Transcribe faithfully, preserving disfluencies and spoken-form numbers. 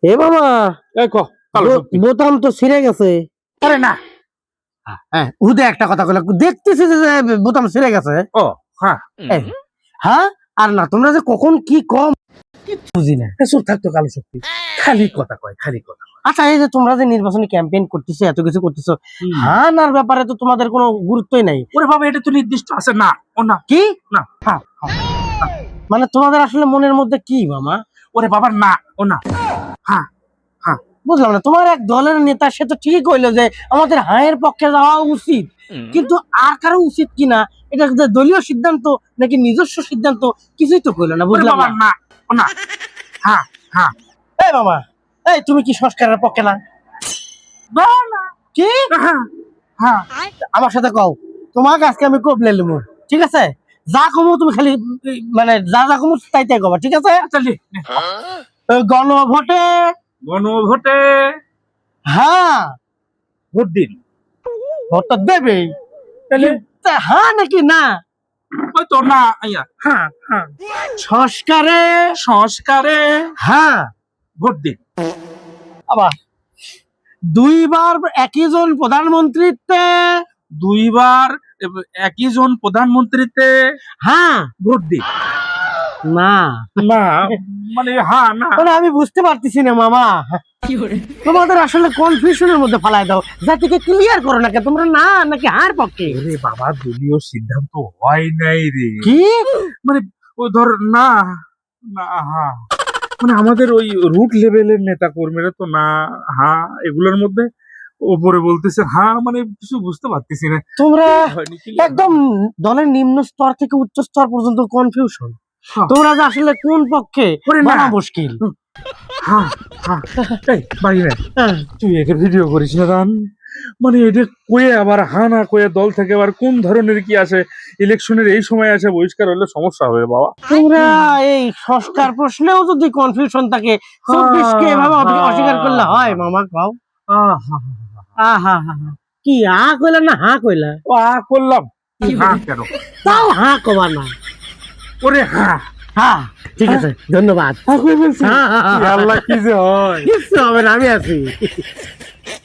এ বাবা এই ক কালো বো- শক্তি। বোতাম তো ছিঁড়ে গেছে। আরে না। হ্যাঁ উদে একটা কথা কইলা, দেখতেছি যে যে বোতাম ছিঁড়ে গেছে। ও হ্যাঁ এই, হ্যাঁ আর না তোমরা যে কখন কি কম কিচ্ছু বুঝি না। চুপ থাকতো কালো শক্তি, খালি কথা কয় খালি কথা। আচ্ছা এই যে তোমরা যে নির্বাচনী ক্যাম্পেইন করতেছো, এত কিছু করতেছো, হুম। হ্যাঁ নার ব্যাপারে তো তোমাদের কোনো গুরুত্বই নাই। ওরে বাবা এটা তো নির্দিষ্ট আছে না ও না কি না হ্যাঁ মানে তোমাদের আসলে মনের মধ্যে কি মামা? ওরে বাবা না ও না হ্যাঁ হ্যাঁ বুঝলাম না, তোমার এক দলের নেতা সে তো ঠিকই কইলো যে আমাদের হায়ের পক্ষে যাওয়া উচিত, কিন্তু আর কারো উচিত কিনা এটা যে দলীয় সিদ্ধান্ত নাকি নিজস্ব সিদ্ধান্ত কিছুই তো কইলো না। ওরে বুঝলাম বাবা না। না ও না হ্যাঁ হ্যাঁ এই মামা, এই তুমি কি সংস্কারের পক্ষে না? না না কি হ্যাঁ হ্যাঁ আমার সাথে কও, তোমাকে আজকে আমি কবলে লিমু, ঠিক আছে? যা কমু তুমি খালি উম, মানে যা যা কমু তাই তাই কবা, ঠিক আছে? চলি এই গণভোটে গণভোটে হ্যাঁ ভোট দিন। ভোটটা দেবে, তাহলে তা হ্যাঁ নাকি না? ওই তো না আইয়া হ্যাঁ হ্যাঁ সংস্কারে সংস্কারে হ্যাঁ ভোট দিন। আবার দুইবার একই জন প্রধানমন্ত্রীতে দুইবার একই জন প্রধানমন্ত্রীতে হ্যাঁ ভোট দিন। না না মানে হ্যাঁ না মানে আমি বুঝতে পারতেছি না মামা, তোমাদের আসলে কনফিউশনের মধ্যে ফালাই দাও, জাতিকে ক্লিয়ার করো না, কে তোমরা না নাকি হার পক্ষে? ওরে বাবা দলীয় সিদ্ধান্ত হয় নাই রে, কি মানে ওই ধর না না হ্যাঁ মানে আমাদের ওই রুট লেভেলের নেতা কর্মীরা তো না হ্যাঁ এগুলোর মধ্যে ওপরে বলতেছে হ্যাঁ মানে কিছু বুঝতে পারতেছি না। তোমরা হয়নি কি? একদম দলের নিম্ন স্তর থেকে উচ্চ স্তর পর্যন্ত কনফিউশন, হ্যাঁ। তোমরা যে আসলে কোন পক্ষে ওরে না। বলা মুশকিল। হ্যাঁ হ্যাঁ এই বাইরে হ্যাঁ, তুই একে ভিডিও করিস না রান, মানে এটা কয়ে আবার হা না কয়ে দল থেকে আবার কোন ধরনের কি আছে, ইলেকশনের এই সময় আছে বহিষ্কার হলে সমস্যা হবে বাবা। তোমরা এই সংস্কার প্রশ্নেও যদি কনফিউশন থাকে, চব্বিশ কে এভাবে অপি- অস্বীকার করলে হয় মামা? কাও আহা, আহা হা হা, কি আ কইলা না হা কইলা? ও আ করলাম হ্যাঁ কেন তাও হা কবা না। ওরে হ্যাঁ হ্যাঁ ঠিক আছে, ধন্যবাদ। হ্যাঁ কই বলছি হ্যাঁ, হ্যাঁ, হ্যাঁ। আল্লাহ কি যে হয়। কিচ্ছু হবে না, আমি আছি।